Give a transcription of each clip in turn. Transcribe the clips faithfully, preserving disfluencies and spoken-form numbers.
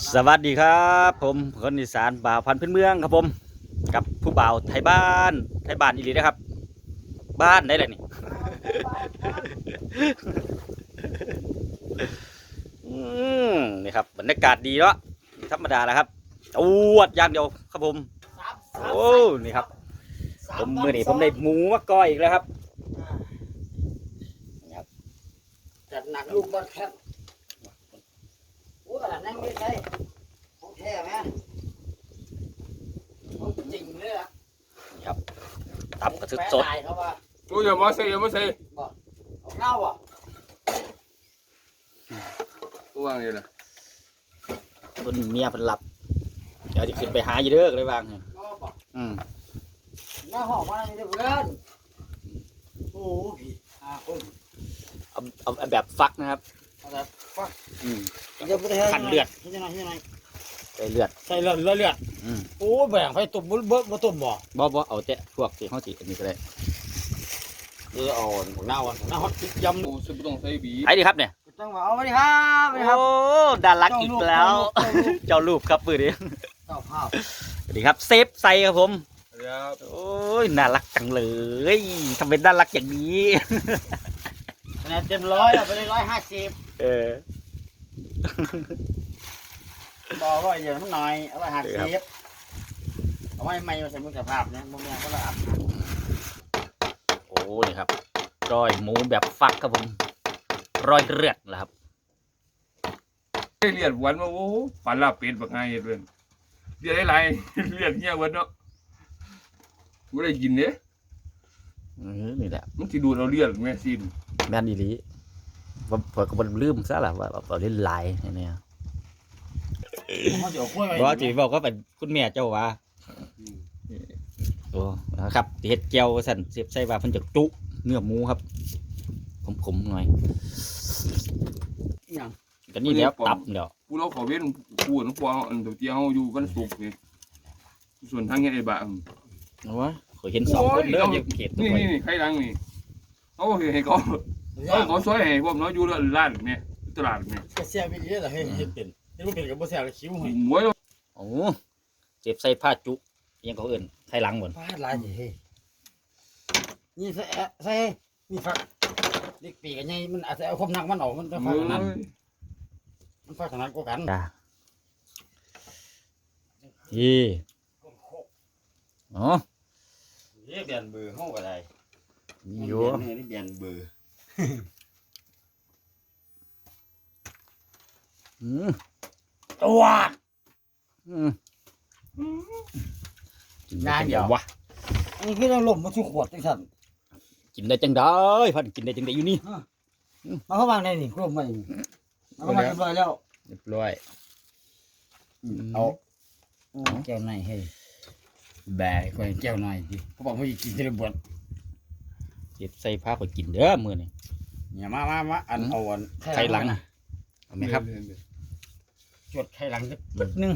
สวัสดีครับผมคนอีสานบ่าวพันธุ์พื้นเมืองครับผมกับผู้บ่าวไทยบ้านไทยบ้านอีหลีนะครับ บ้านไหนแหละนี่ อืมนี่ครับบรรยากาศดีเนาะธรรมดาแหละครับอวดอย่างเดียวครับผมโอ้นี่ครับผมมือนี้ผมได้หมูมาก้อยอีกแล้วครับจัดหนักลูกบอลแคปโอ้ยนั่งไม่ใช่ของแท้ไหมของจริงเลยอ่ะนี่ครับตำกระทึกสดแปะลายเขาว่ากูอย่ามาใส่อย่ามาใส่เอาเงาอ่ะกูวางนี่แหละต้นเมียเป็นหลับเดี๋ยวจะขึ้นไปหาอยู่เด้อเลยวางเนี่ยเงาป่ะอืมหน้าห้องมาเนี่ยเพื่อนโอ้พี่อ่าคนเอาเอาเอาแบบฟักนะครับเอาแบบฟักอืมเดี๋ยวไปขันเลือดที่ไหนที่ไหนใส่เลือดใส่เลือดเลือดเลือดอืมโอ้แบ่งไปตุ่มบุ้บ่บ่ตุ่มบ่บ่บ่เอาแต่พวกที่เขาสิอันนี้ก็ได้เออเอาของหน้าวันของหน้าฮอตพริกยำกูซื้อต้องใส่บีไอ้ดีครับเนี่ยต้องมาเอาไปดิครับไปดิครับโอ้ดารักอีกแล้วเจ้าลูกเจ้ารูปครับปืนนี้เจ้าภาพสวัสดีครับเซฟใส่ครับผมครับโอ้ยน่ารักจังเลยทำเป็นน่ารักอย่างนี้คะแนนเต็มร้อยเอาไปเลยร้อยห้าสิบเออบอกว่าเดี๋ยวมันหน่อยเอาไปหักครับเสียบเอาไว้ไม่มาใส่มือสภาพเนี่ยมึงเนี่ยก็ระอับโอ้นี่ครับรอยหมูแบบฟักครับผมรอยเลือดนะครับเลียดวันมาโอ้ฝันลาเป็ดบักไงเพื่อนเลียดอะไรเลียดเงี้ยวันเนาะกูได้กินเนี่ยเออนี่แหละมันที่ดูเราเลียดแม่ซินแม่นอีหลีผมผมก็บ่ลืมซะล่ะว่าเอาเล่นลายเนี่ยเขาจะเอากล้วยบอกจีบอกก็เป็นคุณแม่เจ้าว่าโอ้นะครับเห็ดเจียวสันเสียบใส่ว่าเพิ่นจะจุเนื้อหมูครับขมๆหน่อยอย่างก็นี่แล้วตับเดี๋ยวกูเราขอเว้นกูน้องปออันเตียงอยู่กันสุกนี่ส่วนทางเงี้ยไอ้บ้าเอาวะขอยเห็นสองคนเด้ออยู่เขตนี่นี่นี่ใครดังนี่เขาเห็นเขาเขาเขาช่วยให้พวกน้อยอยู่ร้านเนี่ยตลาดเนี่ยก็เสียไปเยอะเลยให้เห็นเป็นนี่มันเป็นกับบ่เสียกับคิ้วให้หมวยโอ้เจ็บใส่ผ้าจุยังเขาเอื่นไทยหลังหมดฟาดลายสิเฮ้นี่ใส่ใส่นี่ฟักเล็กปีกันไงมันอาจจะเอาความหนักมันออกมันจะฟักขนาดมันฟักขนาดกว่ากันจ้าอีอ๋อนี่เบียนเบอร์ห้องก็ได้มีอยู่นี่เบียนเบอร์อืมตัวอืมกินได้จังไดวะอันนี้คือเราลมมาทุกขวดจังสั่นกินได้จังได้พันกินได้จังได้อยู่นี่มาเข้าวางในนี่กลุ่มมาเอาเข้ามาเรียบร้อยแล้วเรียบร้อยเอาแก้วในให้แบกคอยแก้วในดิเขาบอกว่ากินทีละบทเจ็บใส่ผ้าขอยกินเด้อมือนี่เนี่ยมามามาอันเอาอันไข่หลังเอาไหมครับจดไข่หลังสักปึ๊ดนึง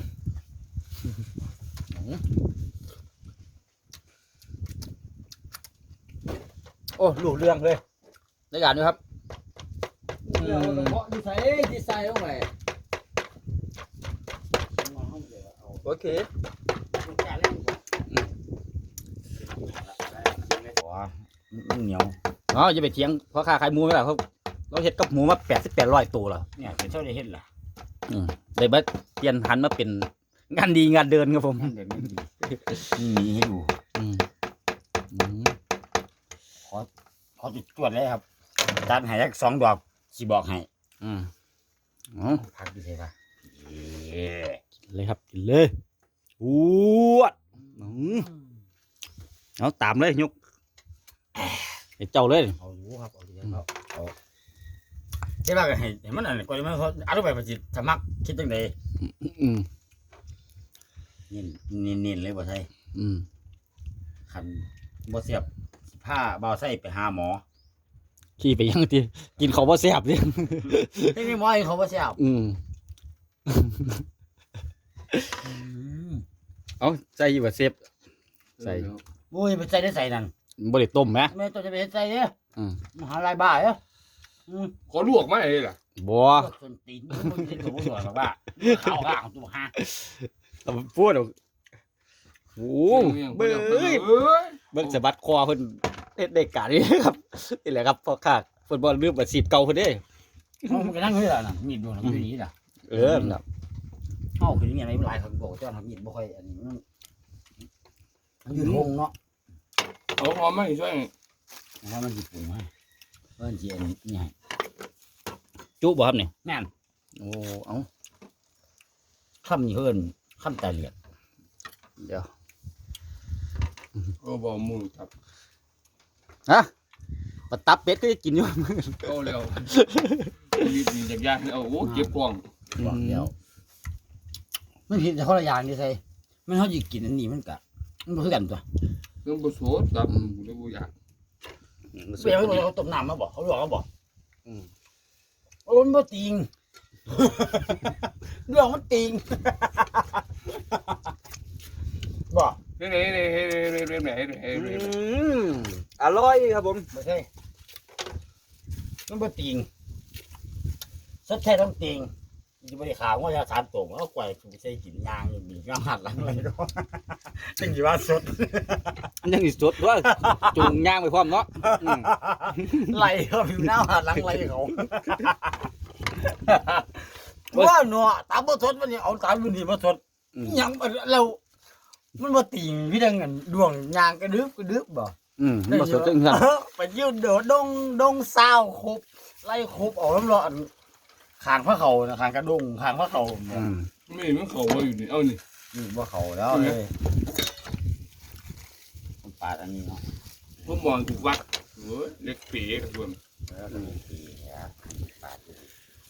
โอ้ลูกเรื่องเลยได้การด้วยครับเดี๋ยวเพาะดีไซน์ดีไซน์ลงไปโอเคการเล่นมันเหนียวเนาะจะไปเถียงเพราะค่าขายหมูไม่ได้เขาเราเห็ดกับหมูมาแปดสิบแปดร้อยตัวแล้วเนี่ยเป็นเท่าได้เห็นล่ะอืมเลยบัดเปลี่ยนหันมาเป็นงานดีงานเดินครับผมมันเดี๋ยวนี้ดีมีให้ดูอืมอืมขอจุดตรวจเลยครับจานให้สักสองดอกสิบอกให้อืมอ๋อพักดีใช่ปะกินเลยครับกินเลยอ้วดอืมเอาตามเลยยกไอ้เจ้าเลยเอาอยู่ครับเอาอยู่ครับเอาใช่ป่ะให้เห็นมันอะไรก่อนมันเขาอธิบายมาจิสมัครคิดจังไดอืมนี่นี่นี่เลยบ่ใช่อืมคันบ่เสียบผ้าเบาใส่ไปหาหมอขี้ไปยังทีกินเขาบ่แซ่บดิที่นี่หมอให้เขาบ่เสียบอืมเอาใส่บ่เซฟใส่โอ้ยไปใส่ได้ใส่นั่นบ่ได้ต้มไหมแม่ตัวจะไปใส่เนี่ยอืมมหาลายบ้าเหรออืมขอลวกไหมไอ้ล่ะบัวส่วนตีนมึงที่ตัวมึงหน่อยแบบว่าข้าวข้างตัวฮะพูดโอ้เบ้ยเบิ่งสะบัดคอเพิ่นเฮ็ดได้การนี่ครับนี่แหละครับพ่อข้าเพิ่นบ่ลืมอาชีพเก่าเพิ่นเด้มันก็นั่งอยู่ล่ะน่ะมีดดวงมันอยู่นี่ล่ะเออครับเฮาคืออย่างไรมันหลายคนบอกจ้าทำมีดบ่ค่อยอันนี้มันมันอยู่ห้องเนาะเอาพร้อมไหมช่วยเพราะมันสิปรุงให้เพิ่นสิอันนี้นี่ให้จุบ่ครับนี่แม่นโอ้เอ้าคำนี้เพิ่นคำตาเหลียดเดี๋ยวเอาบอกหมูครับฮะปลาตับเป็ดก็จะกินอยู่เอาเร็วรีบมีจากยากเอาโอ้เก็บกล่องบอกเดียวมันผิดแต่คนละอย่างนี่ใส่มันเฮาสิกินอันนี้มันก็มันบ่คือกันตัวเรื่องบุษบตับกูเลยบุอยากเปรี้ยวเลยเขาต้มน้ำมาบอกเขาบอกเขาบอกอืมโอ้มันบ่ติง เรื่องมันติง บอกเฮ้ยเฮ้ยเฮ้ยเฮ้ยเฮ้ยเฮ้ยเฮ้ยเฮ้ยเฮ้ยอืมอร่อยครับผมไม่ใช่มันบ่ติงสักแค่ต้องติงจะไม่ได้ข่าวว่าจะสามตัวเอาไก่ถูกใส่กินยางมีกำหัดหลังอะไรด้วย จังสิว่าสดอันยังอีกสดด้วยจูงย่างไปพร้อมเนาะอืมไล่เขาอยู่หน้าหัดหลังไล่เขาว่าเนาะตามบ่สดมันนี่เอาตามมันนี่บ่สดอืมหยังเรา มันบ่ติงพี่ดังกันดวงยางกระดึบกระดึบบ่อืมมันบ่สดจังซั่นไปยืนโดดดงดงซาวครบไล่ครบออกน้ำร้อนขางพระเขานะขางกระดงขางพระเขาอืมไม่มันเขาว่าอยู่นี่เอานี่นี่ว่าเขาแล้วเลยผมปาดอันนี้เนาะผมมองถูกวัดโอ้ยเล็กปีกับส่วนแล้วก็มีปีครับปาดดู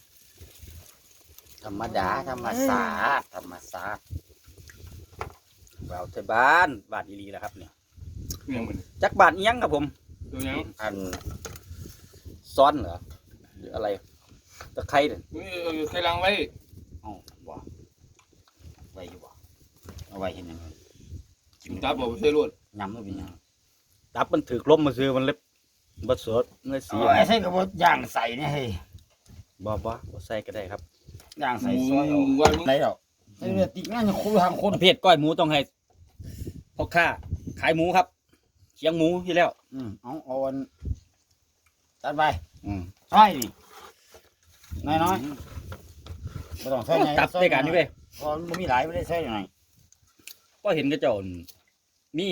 ธรรมดาธรรมศาสตร์ธรรมศาสตร์เราไทยบ้านบ้านอีหลีนะครับเนี่ยยังมันจักบ้านอีหยังครับผมตัวยังอันซ้อนเหรอหรืออะไรตะไคร้เนี่ยนี่เอาใครล้างไว้เอ้าบ่ไว้อยู่บ่เอาไว้เห็นยังไงตับบอกใช่รวดยำแล้วเป็นยังตับมันถือลมมาซื้อมันเล็บบ่สดเนื้อสีเอาไอ้ใส่กระบอกย่างใส่เนี่ยเฮ้ยบ่บ่บ่ใส่ก็ได้ครับย่างหใส่มูซอยเอาว่ามึงไรหรอกใส่เนื้อติดงานจะคุยทางคนประเภทก้อยหมูต้องให้พ่อค้าขายหมูครับเชียงหมูที่แล้วอืมเอาเอาอันตัดไปอืมใช่ดิน้อยน้อยไม่ต้องใส่ไงตับได้กันนี่เว้ยเพราะมันมีหลายไม่ได้ใส่ยังไงก็เห็นกระเจ้ามี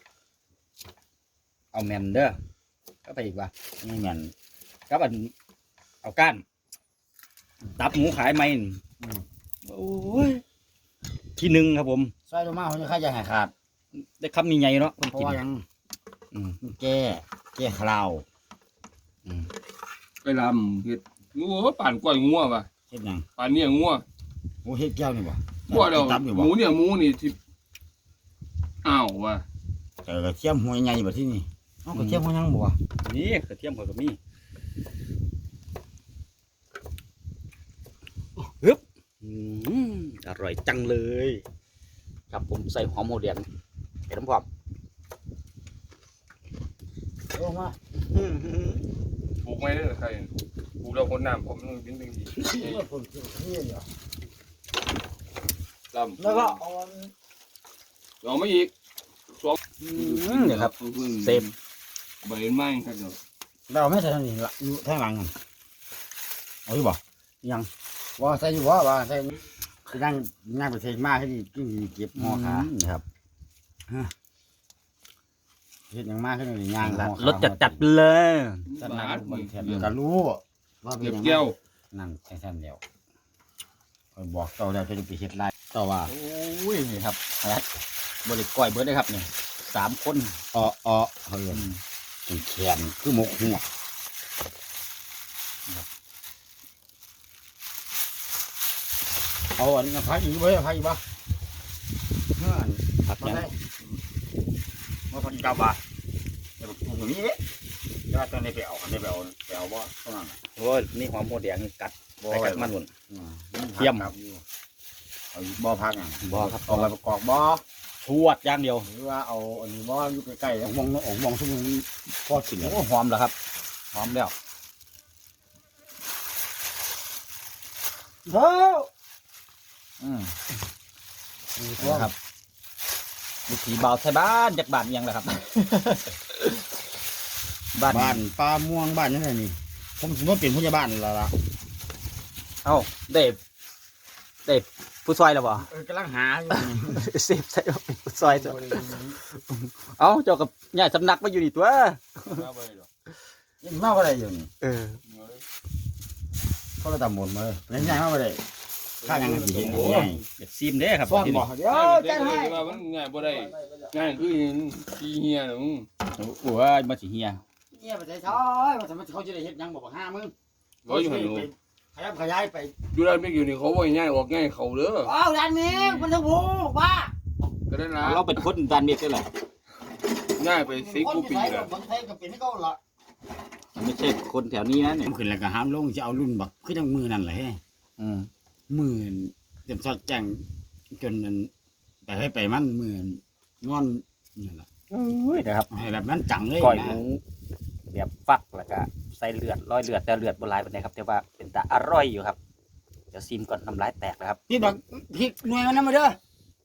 เอาแมนเด้อก็ไปอีกว่านี่เหมือนก็อันเอาก้านตับหมูขายไหมนี่โอ้ยที่หนึ่งครับผมใส่ลงมาเขาจะค่าจะหายขาดได้คำมีใหญ่เนาะคนเพราะกินว่ายังอืมมันแก้แก้คราวอืมไปลำเห็ดงูว่าป่านกล้วยงัวป่ะเฮ็ดหยังป่านเนี่ยงัวโอ้เฮ็ดแก้วนี่บ่งัวเดียวตับนี่หบ่มูเนี่ยหมูนี่ที่อ้าวว่ะเจอกระเทียมหัวใหญ่บ่ที่นี่เอากระเทียมหัวยังบ่วะนี่กระเทียมหัวก็มีฮึบอืมอร่อยจังเลย ครับผมใส่หอมหัวแดงเห็นน้ำพร้อมเอาลงมาอืมปลูกไม่ได้หรือใครปลูกเราคนน้ำผมมันเป็นเป็นดีเลือดผมกินนี่เดียวลำแล้วก็เอาอันเอามาอีกอืมเนี่ยครับเซฟใบไม้ครับเนาะเราไม่ใส่ทางนี้ละอยู่ทางหลังนั่นเอาอยู่บ่ยังว่าใส่อยู่บ่ว่าใส่คือนั่งนั่งไปใส่มาให้ดีกินดีเก็บหม้อขามครับเฮ็ดหยังมากขึ้นเลยย่างหม้อขารสจัดจัดๆเลยจัดบานั่ทงบนแถบเก็บก็รู้ว่าเป็นเก็บหยังแก้วนั่นแค่ๆเดียวคอยบอกเจ้าแล้วจะได้ไปเฮ็ดไรต่อว่าโอ้ยนี่ครับครับบริก้อยเบิร์ดเลยครับเนี่ยสามคนอ้ออ้อเฮ้ยเป็นแขนคือหมกหัวเอาอันนี้พักอีกบ่พักอีกบ่เมื่ออันผักมายังได้มาพักอีกกับบ่เดี๋ยวปรุงอย่างนี้เด้เดี๋ยวตอนนี้ไปเอาอันนี้ไปเอาไปเอาบ่เท่านั้นน่ะโอ้ยนี่หอมหัวแดงนี่กัดบ่ไปกัดมันหมดอืมเยี่ยมครับเอาอีกบ่พักอ่ะบ่ครับเอาไปประกอบบ่ชวดอย่างเดียวหรือว่าเอาอันนี้บ่อยู่ใกล้ๆแล้วมองมองมองซุ่มนี้พอกินแล้วโอ้หอมแล้วครับหอมแล้วเฮ้ยอืมนะครับวิถีเบาไทยบ้านจากบ้านเอียังแหละครับ บ้านบ้านปลาม่วงบ้านนั่นน่ะนี่ผมถือว่าเป็นผู้ใหญ่บ้านแล้วล่ะเอ้าเด็บเด็บผู้ซอยแล้วบ่เออกำลังหาอยู่นี่เซฟใส่ว่าเป็นผู้ซอยจ้ะเอ้าเจ้ากับใหญ่สำนักมาอยู่นี่ตัวยังมาอะไรอยู่นี่เออเขาก็ตำหมดมาเลยยังไงมาอะไรข้ายังสิเห็นยังไงเด็ดซิมเด้ครับฟ้อนที่บ่นี่เดี๋ยวจัดให้ว่ามันง่ายบ่ได้ง่ายคือขี้เหี้ยน่ะมึงโอ้ยมาสิเฮียเนี่ยไปใส่ช้อยว่าทำไมเขาจะได้เฮ็ดยังบอกว่าห้ามึงบ่อยู่หั่นหนูขยับขยายไปอยู่ด้านไม่อยู่นี่เขาบ่ให้ง่ายออกง่ายเขาเด้ออ้าวด้านนี้มันทั้งโว้บ้าก็ได้นะเราเป็นคนดันเม็ดได้แหละง่ายไปสิบกว่าปีแล้วบางไทยก็เป็นให้เขาละไม่ใช่คนแถวนี้นะเนี่ยขึ้นแล้วก็ห้ามลงจะเอารุ่นบักคือจังมือนั่นแหละอืมหมื่นเต็มสอดแจ้งจนมันไปให้ไปมันหมื่นงอนนี่แหละโอ้ยนะครับให้แบบนั้นจังเลยก้อยหนะมูแบบฟักแล้วก็ใส่เลือดร้อยเลือดแต่เลือดบนลายเป็นไงครับแต่ว่าเป็นตาอร่อยอยู่ครับเดี๋ยวซิมก่อนน้ำลายแตกนะครับพี่บักพริกหน่วยมันนั่นมาเด้อ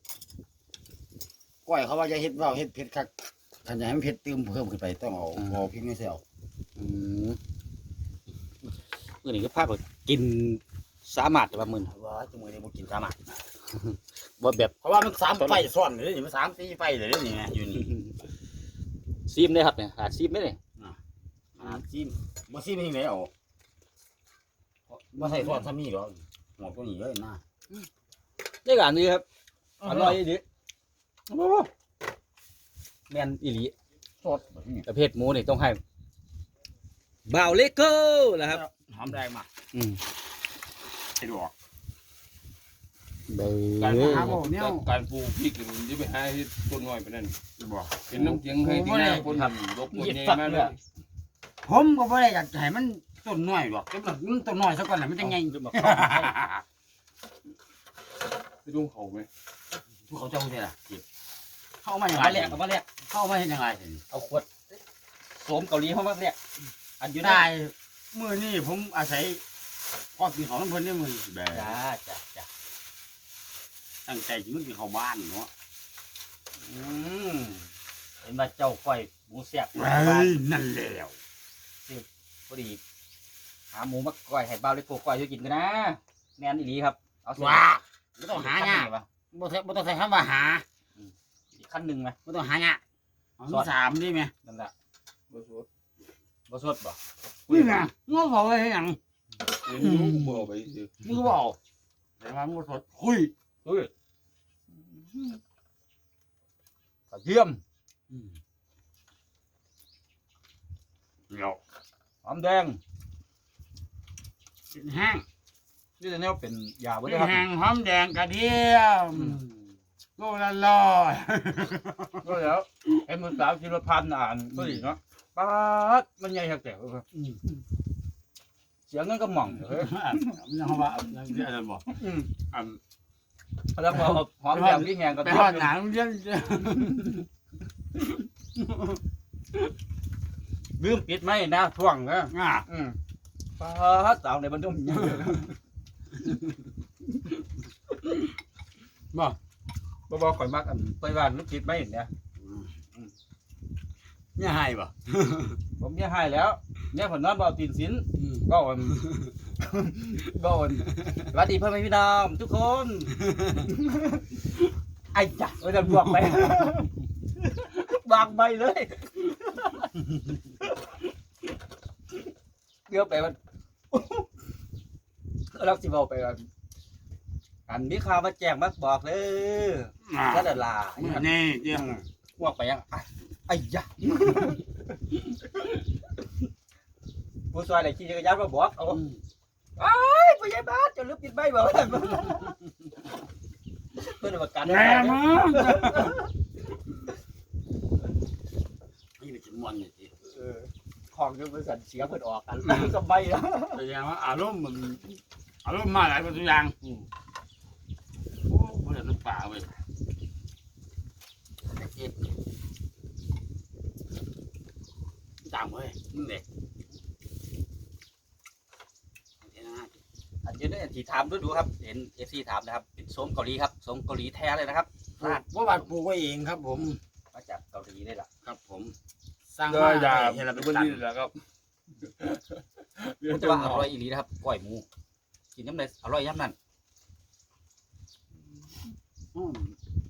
ก้อยเขาว่าจะเฮ็ดว่าเฮ็ดเผ็ดคักขันจะให้มันเผ็ดเติมเพิ่มขึ้นไปต้องเอาเอาพริกไม่ใส่เอาอืมมื่อนี้ก็ภาคว่ากินสามารถแต่ว่ามึนว่าจังมือนี้บ่กินสามารถว่าแบบเพราะว่ามันสามไฟซ้อนเลยนี่มันสามสี่ไฟเลยนี่ไงอยู่นี่ซีมได้ครับเนี่ยหาซีมได้เลยอ่าซิมบ่ซิมยังไงเอาบ่ใส่ซ้อนซ้ำนี่หรอกหมดตัวนี้เลยนะได้การนี้ครับอร่อยดีโอ้โหแมนอีหลีสดแบบนี้ประเภทหมูนี่ต้องให้บ่าวเลโก้นะครับหอมแดงมาอืมไอ้ดอกเบการอหาบ่เนี่ยการปลูกพริกนี่จะไปหาเฮ็ดต้นน้อยไปนั่นบอกเป็นน้ำเสียงให้ที่หน้าคนรบกวนใหญ่มากเลยผมก็บ่ได้อยากให้มันต้นน้อยหรอกแต่มันต้นน้อยซะก่อนน่ะมันจะใหญ่ไปดูเขาไหมทุกเขาเจ้าได้ล่ะสิเข้ามาอย่างมาไรแรกเอามาแรกเข้ามาเฮ็ดยังไงสิเอาขวดโสมเกาหลีเข้ามาแรกอันอยู่ได้มื้อนี้ผมอาศัยพอกินของเพิ่นได้มื้อแบบจ้าจ้าจ้าตั้งใจสิมันสิเข้าบ้านเนาะอืมเห็นว่าเจ้าก้อยหมูแซ่บเฮ้ยนั่นแล้วพอดีหาหมูมาก้อยให้บ่าวเลโก้ก้อยให้กินกันนะแมนอีหลีครับเอาเส้นว่าบ่ต้องหายากวะบ่ต้องบ่ต้องใช้คำว่าหาอีกขั้นหนึ่งไหมบ่ต้องหายากเอามีสามได้ไหมนั่นแหละบ่สดบ่สดบ่นี่ไงงอบอกไว้ให้หยังเดี๋ยวนี้บ่เอาไปสิมึงก็บอกแต่ว่ามึงก็สดคุยเฮ้ยกระเทียมเดี๋ยวหอมแดงกินแห้งนี่จะแนวเป็นยาบ่กิได้นครับแห้งหอมแดงกระเทียมโลละร้อยก็แล้วไอ้มือสาวกิโลพันอ่านก็ดีเนาะป๊าดมันใหญ่หักแตกเลยเสียงเงินก็หม่องเฮ้ยมันยังว่ายังเยอะเลยบอกอืมอ่าแล้วพอหอมแดงที่แหงก็ไปหอดหนังเยอะลืมปิดไหมนะท่วงนะอ่ะอืมป๊าดสาวในบรรทุกบอกบ่บ่ข่อยมักอันไปบ้านลูกปิดไหมเนี่ยเนี่ยให้บ่ผมเนี่ยให้แล้วเนี่ยผมนอนบ่เอาตีนสินก็อันก็อันสวัสดีพ่อแม่พี่น้องทุกคน ไอ้จ้ะเออจะบวกไป วางใบเลยเดี๋ยวไปมันเราสิบอกไปกันอันมีข่าวมาแจ้งมาบอกเลยอ่ะก็ดารานี่เดี๋ยวพวกไปยังไอ้ไอ้ยะผู้ชายไหนขี่จักรยานมาบอกเอาไอ้ผู้ใหญ่บ้านจะลืมปิดใบบอกเพื่อนประกันแย่มากนี่เป็นจำนวนนี่สิของจะบริษัทเสียเพื่อนออกกันกับใบแล้วแสดงว่าอารมณ์มันอารมณ์มาหลายตัวอย่างโอ้ไม่ได้น้ำป่าเว้ยต่างเว้ยมึงเด็กอันนยืนได้ที่ถามดูดูครับเห็นเอฟซีถามนะครับเป็นส้มเกาหลีครับส้มเกาหลีแท้เลยนะครับปลูกว่าบ้านปลูกไว้เองครับ ผมมาจากเกาหลีได้ล่ะครับผมสร้างก็มาอย่าให้เราเป็นวันตันนี้แหละครับผมจะว่าอร่อยอีหลีนะครับก้อยหมูกินน้ำเลยอร่อยย่ำนั่นอืม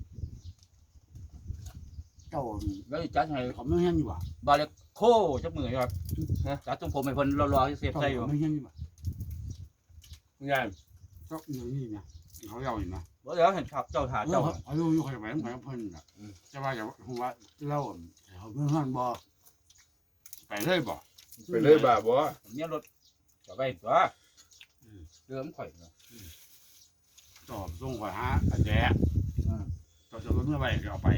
เจ้าแล้วจัดให้เขาไม่เห็นอยู่ว่ะบาเล็กโคจับมือครับจัดตรงผมเป็นคนรอๆเสียบเจ้าใส่อยู่เขาไม่เห็นอยู่ว่ะงานเจ้าอย่างนี้นะเขาเล่าอยู่นะว่าเดี๋ยวเห็นเจ้าถาเจ้าเจ้าเขาอยู่อยู่ใครไปไปเพิ่นน่ะจะว่าอย่าหัวเล่าเขาเพิ่นห้อนบ่ไปเลยบ่ไปเลยบ่าบ่เนี่ยรถจะไปตัวเรือมข่อยเนาะตอบส่งข่อยหาอาแจต่อจะรถเมื่อไหร่ก็เอาไป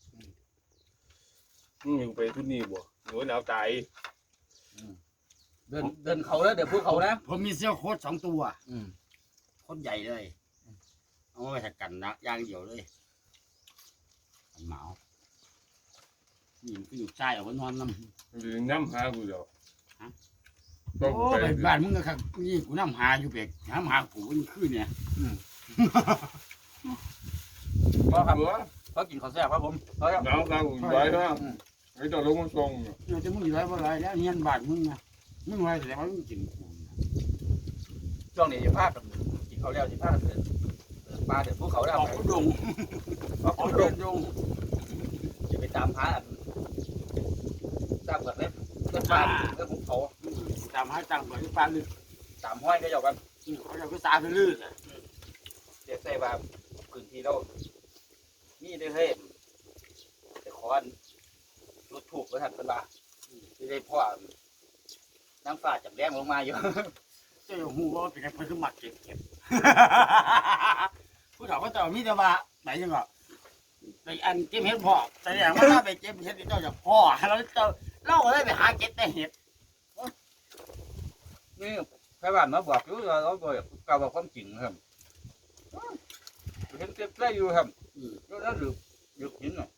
มึงอยู่ไปทุนนี่บ่หนูหนาวใจเดินเดินเขาแล้วเดี๋ยวพูดเขานะผมมีเสื้อโค้ทสองตัวอืมโค้ทใหญ่เลยเอาไว้ถักกันนะย่างเดียวเลยเหมานี่มันก็อยู่ใต้เอาไว้นอนน้ำหรือน้ำหากูเดียวโอ้ต้องไปไปบ้านมึงก็ครับนี่กูน้ำหาอยู่เบกน้ำหากูมันขึ้นเนี่ยก็ครับบัวเขากินข้าวแซ่บครับผมเขาครับหนาวครับกูไว้ฮะไอ้ตัวลงมาส่งเดี๋ยวจะมึงอยู่ไรบ่ไรแล้วเนียนบ้านมึงนะมึงไรแต่ว่ามึงกินกูช่วงนี้จะพากันกินข้าวแล้วจะพากันเดินเดินป่าเดินภูเขาแล้วออกกูดงออกเดินดงจะไปตามหาตามกันเลยเดินป่าเดินภูเขาตามหาตังค์ไปที่บ้านเลยตามห้อยก็ยากันเขาจะก็ตาไปลื่นเด็กใส่ว่าพื้นที่เรามีได้เฮ้ยแต่ขอนรถถูกประทันเป็นว่าที่ได้พ่อน้ำฟ้าจากแดงลงมาอยู่เจ้าหูว่าเป็นไงเพิ่นก็มักเก็บเก็บผู้ถามว่าเจ้ามีแต่ว่าไหนยังก็ไปอันเก็บเห็ดพ่อแต่อย่างว่าถ้าไปเก็บเห็ดเจ้าจะพ่อแล้วเจ้าเล่าได้ไปหาเก็บแต่เห็ดนี่ใครบ้านมาบอกอยู่เราเราบอกกล่าวบอกความจริงครับเห็นเก็บได้อยู่ครับแล้วนั่นหรือหยุดหินหน่อย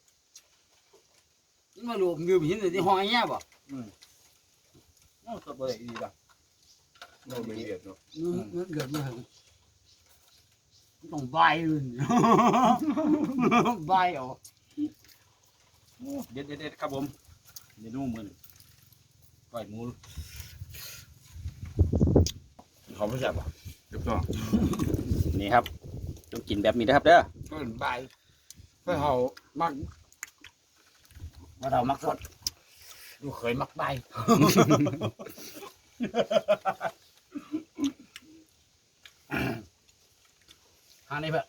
นี่มาดูยืมหินในห้องเงี้ยบ่นั่นก็บ่ได้ดีป่ะเราไม่เรียดเนาะเงินเกิดมาถึงต้องใบเลยใบเอาเด็ดเด็ดครับผมเมนูมือก้อยหมูเขาไม่ใช่ป่ะเก็บต้องนี่ครับต้องกินแบบนี้นะครับเด้อเพิ่นใบเพื่อเขามักว่าเรามักสดดูเคยมักใบหานี่เพื่อ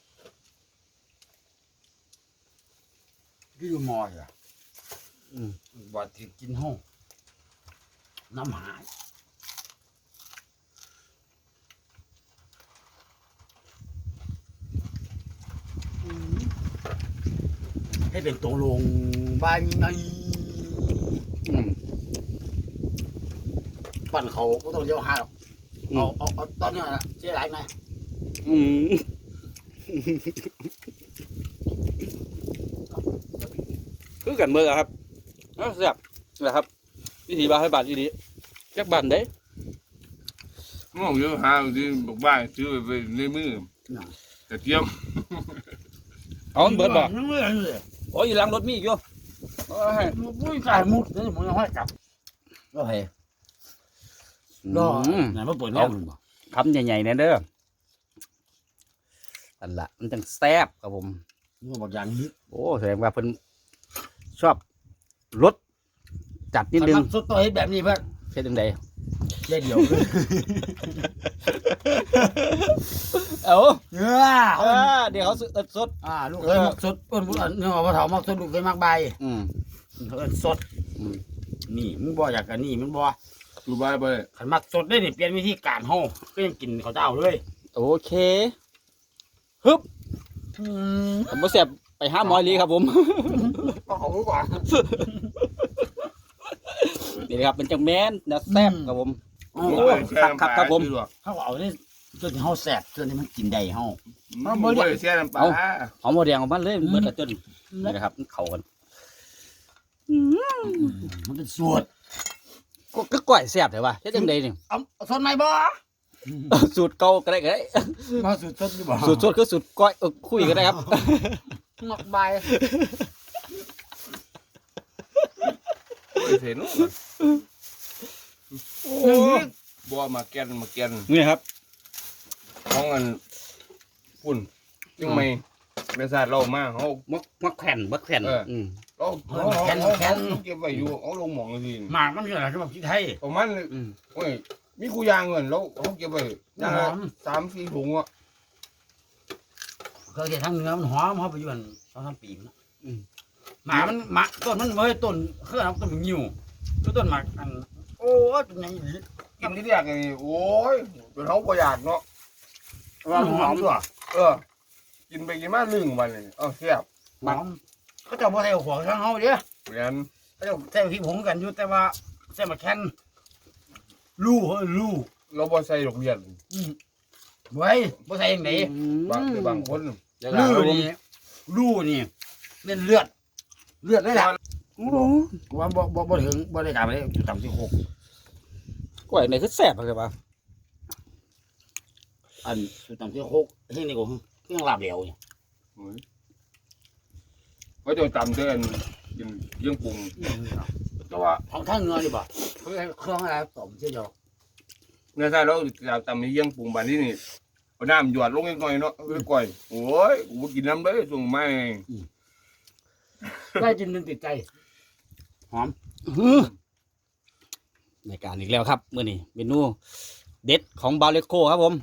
ที่อยู่มออ่ะบ่ที่กินห้องน้ำหายให้เป็นตัวลงบ้านไงปั่นเขาก็ต้องเลี้ยวหาหรอกเอาเอาเอาตอนนี้นะเสียหลายไงอืมคือกันเมื่อครับเอ้าแซ่บนะครับวิธีบาให้บาทดีๆจักบาทเด้มองเยอะหาที่บอกบ้านซื้อไปในมือกระเทียมเอามันเบิดบ่เมื่อเลยโอ้ยหลังรถมีอีกอยู่โอ้ยมุ้ยกายมุดนี่มึงยังให้กลับก็เฮ้รอไหนมาเปิดห้องบ่คำใหญ่ๆเนี่ยเด้ออันละมันจังแซ่บครับผมมึงบอกอย่างนี้โอ้แสดงว่าเพิ่นชอบรสจัดนิดนึงสุดตัวเฮ็ดแบบนี้เพื่อนเช่นจังใดแค่เดียวเลยเอ้าเนื้อเออเดี๋ยวเขาสดสดอ่าลูกเคยมักสดอ้นบุญเนื้อว่าเถามักสดลูกเคยมักใบอืมเขาเอิ้นสดนี่มึงบ่อยากกันนี่มึงบ่ดูบ้านไปขันมักสดได้นี่เปลี่ยนวิธีการห้องก็ยังกินเขาเจ้าเลยโอเคฮึบผมบ่แซ่บไปหาหมออีหลีครับผมก็เขารู้ก่อนนี่นะครับเป็นจังแม่นนะแซ่บครับผมโอ้โอ้ ครับครับครับผมเขาเอาเนี่ยตัวที่เฮาแสบตัวที่มันกินได้เฮามันบ่ได้เสียน้ำปลาหอมหัวแดงของมันเลยมันเบิดละจนนี่นะครับมันเข้ากันมันเป็นสูตรก็ก็ก้อยแซ่บแต่ว่าเฮ็ดจังใดนี่เอาเอาสดไหมบ่สูตรเก่าก็ได้ก็ได้มาสุดสดอยู่บ่สูตรสดคือสูตรก้อยเออคุยก็ได้ครับหมักใบโอ้ยเสียนุ่บัวมาแกนมาแกนนี่ครับของอันปุ่นยังไม่เมษาเรามาเขามักมักแผ่นมักแผ่นเอออืมเราเขาเขาเขาเก็บไว้อยู่เอาลงหมองทีหมากมันคืออะไรที่แบบที่ไทยประมาณอืมโอ้ยมีกูยางเงินแล้วเขาเก็บไว้ย่างละสามสี่ถุงอ่ะเคยเห็นทางเหนือมันหอมหอมไปอยู่อันสองสามปีมันนะหมามันหมาต้นมันเว้ยต้นเครื่องต้นมันหิวต้นหมากอันโอ้ยเป็นยังไงกินที่เรียกไงโอ้ยเป็นเขาประหยัดเนาะว่าหอมด้วยเออ กินไปกินมาลึงวันเลยเออแซ่บหอมเขาจะบ่ใส่หัวข้างเฮาเด้อเหมือนเขาจะใส่พริกผงกันอยู่แต่ว่าใส่มาแคนลู่เฮ้ยลู่เราบ่ใส่ดอกเบี้ยอืมไว้บ่ใส่ยังไงบางบางคนลู่นี่ลู่นี่เป็นเลือด เลือดเลยล่ะโอ้ว่าบ่บ่บ่ถึงบ่ได้ตามไปเลยอยู่ต่ำที่หกก้อยนี่คือแซ่บเลยป่ะอันอยู่ต่ำที่หกที่นี่ก็เครื่องลาบเหลวเนี่ยเขาจะจำเดินกินเยี่ยงปรุงแต่ว่าของทางเหนือนี่บ่เครื่องเครื่องอะไรต้มเสียเดียวเนื้อใช่เราจะจำมีเยี่ยงปรุงบานที่นี่เอาน้ำหยอดลงนิดหน่อยเนาะเอ้ยก่อยโอ้ยกูกินน้ำได้ส่งมาได้กินมันติดใจในการอีกแล้วครับมื้อนี้เมนูเด็ดของบาเลโคครับผม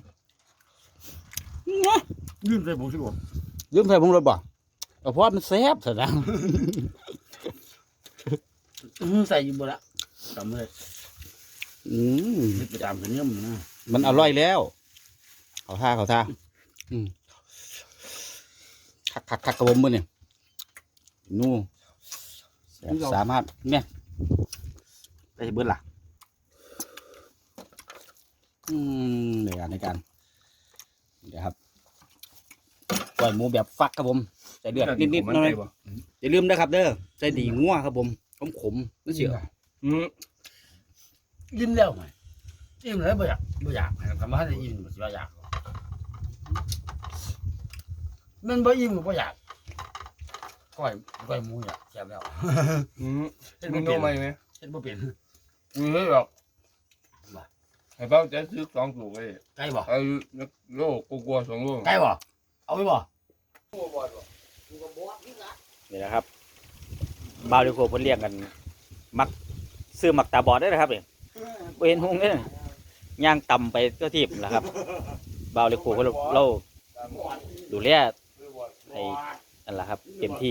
ยืมใส่ผมสิบ่ลืมใส่ผงรสบ่เอาเพราะว่ามันแซ่บซะนะใส่อยู่บ่ละจำเลยอืมนี่ไปตามเนื้อมันนะมันอร่อยแล้วเขาท่าเขาท่าอืมคักคักคักกระบมมือเนี่ยนู่แบบสามารถเนี่ยไปเบิ้ลล่ะอืมในการในการเดี๋ยวครับปล่อยหมูแบบฟักครับผมใส่เดือดนิดๆหน่อยอย่าลืมนะครับเด้อใส่ดีงัวครับผมขมขมๆนั่นเสียอืมยิ้มแล้วไหมยิ้มแล้วบ่อยากบ่อยากทำมาให้ยิ้มบ่สิว่าอยากมันบ่ยิ้มก็บ่อยากก้อยก้อยหมูอยากแซ่บแล้วอืมมึงรู้ไหมไหมเฮ็ดบ่เป็นมึงเฮ้ยหรอกไอ้เป้าจะซื้อสองถุงเลยไก่บ่ไอ้โลกกลัวสองโลไก่บ่เอาไปบ่นี่นะครับบาวดิโคเพิ่นเรียกกัน มักซื้อมักตาบอดได้นะครับเนี่ยบ่เห็นหงเนี่ยย่างต่ำไปตัวทีบแหละครับบาวดิโคเขาเราดูแลไอ้นั่นแหละครับเต็มที่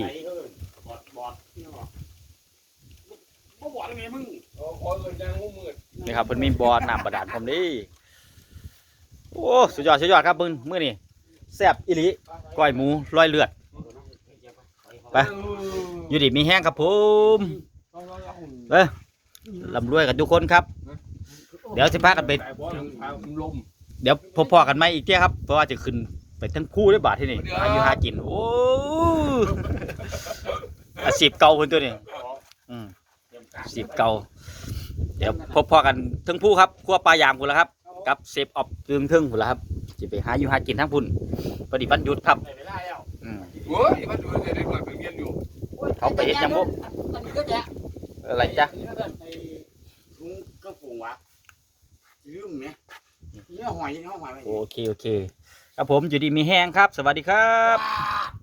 บ่บ่ได้ไงมึงคอยเลยจ้างงูมืดนี่ครับเพิ่นมีบ่อน้ำบาดาลพร้อมเดีโอ้สุดยอดสุดยอดครับมึงมื้อนี้แซ่บอีหลีก้อยหมูร้อยเลือดไปอยู่ดีมีแห้งครับผมเอ้ยลำรวยกันทุกคนครับ เดี๋ยวสิพากันไปลมเดี๋ยวพบพอกันไหมอีกเที่ยครับเพราะว่าจะขึ้นไปทั้งคู่ด้วยบาทที่นี่หาอยู่หากินโอ้อาชีพเก่าคนตัวนี้อืมอาชีพเก่าเดี๋ยวพบพอกันทั้งผู้ครับครัวปลายางพุ่นแล้วครับกับเซฟออฟตึงทึ่งพุ่นแล้วครับจะไปหาอยู่หากินทั้งพุ่นพอดีวันหยุดครับอืมโอ้ยมันดูจะได้ก่อนเป็นเงี้ยอยู่เขาไปเห็นยังพวกอันนี้ก็แจ๊ะอะไรจ๊ะไอ้ถุงกระปุกวะลืมเนี่ยเนื้อหอยเนื้อหอยไว้โอเคโอเคครับผมอยู่ดีมีแห้งครับ สวัสดีครับอ่า